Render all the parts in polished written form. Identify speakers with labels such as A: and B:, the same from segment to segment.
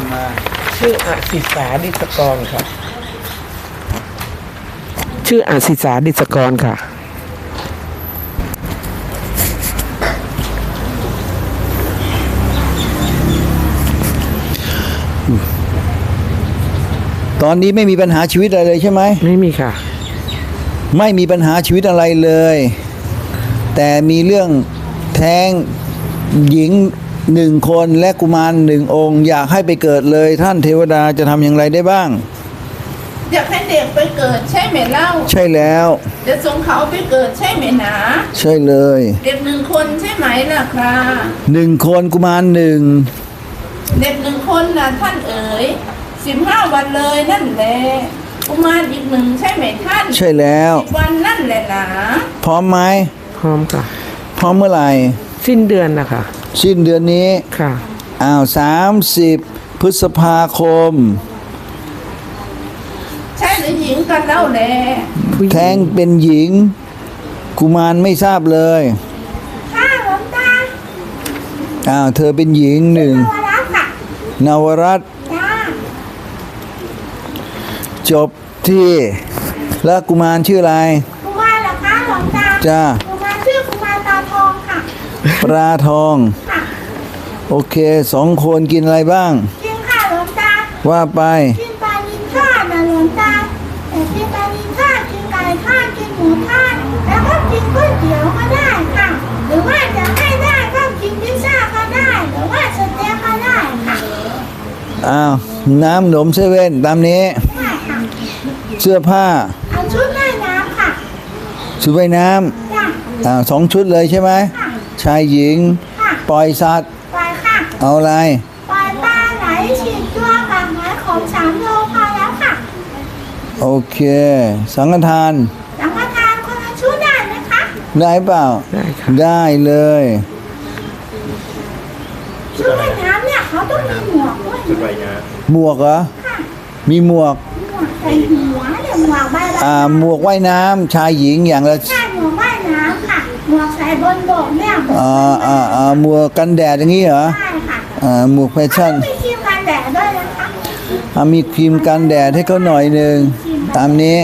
A: ำมา
B: ชื่ออาศิสาดิศกรค่ะชื่ออาศิสาดิศกรค่ะ
A: ตอนนี้ไม่มีปัญหาชีวิตอะไรเลยใช่ไหม
B: ไม่มีค่ะ
A: ไม่มีปัญหาชีวิตอะไรเลยแต่มีเรื่องแท้งหญิง1 คนและกุมาร1 องค์อยากให้ไปเกิดเลยท่านเทวดาจะทำอย่างไรได้บ้าง
C: อยากให้เด็กไปเกิดใช่ไหมเล่า
A: ใช่แล้ว
C: จะส่งเขาไปเกิดใช่ไหมหนา
A: ใช่เลย
C: เด็ก1 คนใช่ไหมล่ะครับ
A: 1 คนกุมาร1
C: เด็ก1 คนนะท่านเอ๋ย15 วันเลยนั่นแหละกุมารอีก1ใช่ไหมท่าน
A: ใช่แล้ว
C: 10 วันนั่นแหละนะ
A: พร้อมไหม
B: พร้อมค่ะ
A: พร้อมเมื่อไหร่
B: สิ้นเดือนนะคะ
A: สิ้นเดือนนี้
B: ค่ะ
A: 30 พฤษภาคม
C: ใช่หรือหญิงกันเล่าแล
A: แท้งเป็นหญิงกุมารไม่ทราบเลย
C: ค่ะหลวงตา
A: เธอเป็นหญิง1นวรัตน์จบที่แล้วกุมารชื่ออะไร
C: กุมารเหรอคะหลวงตา
A: จ้า
C: กุมารชื่อกุมารตาทองค่ะ
A: ปลาทอง
C: ค่ะ
A: โอเค2 คนกินอะไรบ้าง
C: กินค่ะหลวงตา
A: ว่าไป
C: กินปลาลิ้นทอดนะหลวงตาแต่กินปลาลิ้นทอดกินไก่ทอดกินหมูทอดแล้วก็กินก๋วยเตี๋ยวก็ได้ค่ะหรือว่าจะให้ได้ก็กินพิซซ่าก็ได้หรือว่าสเต็กก็ได้ค่ะ
A: น้ำหนมเซเว่นตามนี้เสื้อผ้า
C: เอาชุดว่ายน้ำค่ะ
A: ชุดว่ายน้ำ2 ชุดเลยใช่ไหมชายหญิงปล่อยสัตว์
C: ปล่อยค่ะ
A: เอาอะไร
C: ปล่อยปลาไหลฉีดตัวกับไม้ของ3 โลพอแล้วค่ะ
A: โอเคสังฆทาน
C: คนละชุดได้ไหมคะ
A: ได้เปล่า
B: ได้ค่ะ
A: ได้เลย
C: ชุดว่ายน้ำเนี่ยเขาต้องมีหมวกด้วยชุดว่ายน้ำ
A: หมวกเหรอมีหมวก
C: ใส่หัวเนี่ยหมวกใบ
A: หมวกว่ายน้ำชายหญิงอย่างละ
C: ใช่หมวกว่ายน้ำค่ะหมวกใส่บนบกเนี่ย
A: หมวกกันแดดอย่างนี้เหรอ
C: ใช่ค่ะ
A: หมวกแฟชั่น
C: มีครีมกันแดดด้วยนะคะ
A: มีครีมกันแดดให้เขาหน่อยนึงตามนี้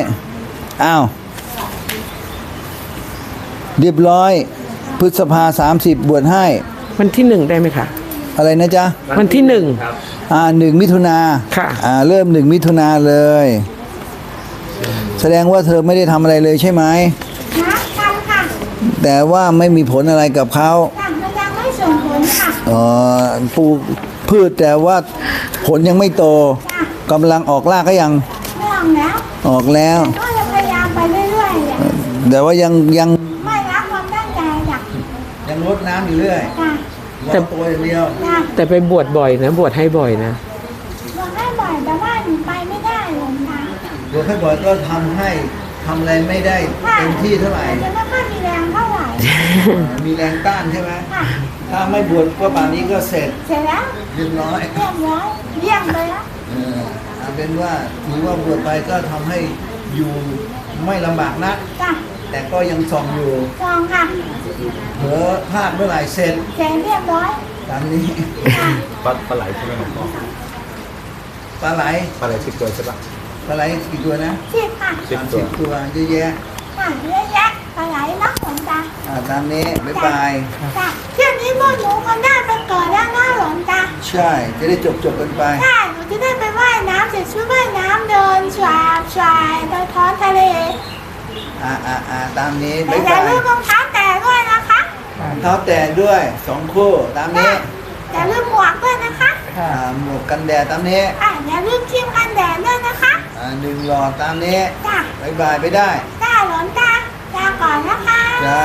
A: เรียบร้อยพฤษภา30บวชให้
B: วันที่1ได้ไหมคะ
A: อะไรนะจ๊ะ
B: วันที่
A: 1 มิถุนา
B: ค่ะ
A: เริ่ม1 มิถุนาเลยแสดงว่าเธอไม่ได้ทำอะไรเลยใช่ไหม
C: ทำค่ะ
A: แต่ว่าไม่มีผลอะไรกับเขา
C: มันยังไม่ส่งผลค่ะ
A: ปลูกพืชแต่ว่าผลยังไม่โตกำลังออกรากก็ยังออกแล้ว
C: ก็จะพยายามไปเรื่อย
A: ๆแต่ว่ายัง
C: ไม่รักความตั้งใจ
A: ยังรดน้ำอยู่เรื่อยแต่ตัวอย่างเดียว
B: แต่ไปบวชบ่อยนะบวชให้บ่อยนะ
C: บวชให้บ่อยแต่ว่าหนูไปไม่ได้หลวงตา
A: บวชให้บ่อยก็ทำอะไรไม่ได้เต็มที่เท่าไหร่
C: จะไม่ค่อยมีแรงเท่าไหร่
A: มีแรงต้านใช่ไหมถ้าไม่บวชก็ป่านนี้ก็เสร็จ
C: แล้ว
A: เรียบร้อย
C: เยี่ยมเลยนะ
A: เป็นว่าถือว่าบวชไปก็ทำให้อยู่ไม่ลำบากนักแต่ก็ยังส่องอยู่
C: ค่ะ
A: เผลอพลาดเมื่อไหร่เสร็จ
C: เรียบร้อย
A: ตามนี้
D: ปลาไหลใช่ไหมหลวงพ่อ
A: ปลาไหล
D: 10 ตัวใช่ปะ
A: ปลาไหลกี่ตัวนะ
C: 10 ค่ะ
A: 10 ตัวเยอะแยะ
C: เยอะแยะปลาไหลนักหลวงตา
A: ตามนี้บ๊ายบาย
C: เที่ยวนี้พวกหนูคนได้ไปเกิดแล้วนะหลวงตา
A: ใช่จะได้จบกันไป
C: ใช่หนูจะได้ไปว่ายน้ำเสร็จชุดว่ายน้ำเดินชายไปท้องทะเล
A: ตามนี้บ๊ายบาย
C: อย่าลืมรองเท้าแตะด้วยนะคะ
A: รองเท้าแตะด้วย2 คู่ตามนี้
C: อย่าลืมหมวกด้วยนะคะ
A: หมวกกันแดดตามนี้
C: อย่าลืมครีมกันแดดด้วยนะคะ
A: 1 หลอดตามนี้บ๊ายบายไปได้
C: หลวงตาลาก่อนนะคะ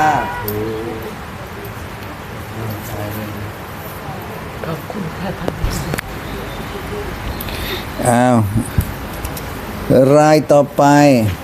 B: ขอบคุณค่ะ
A: ท่านรายต่อไป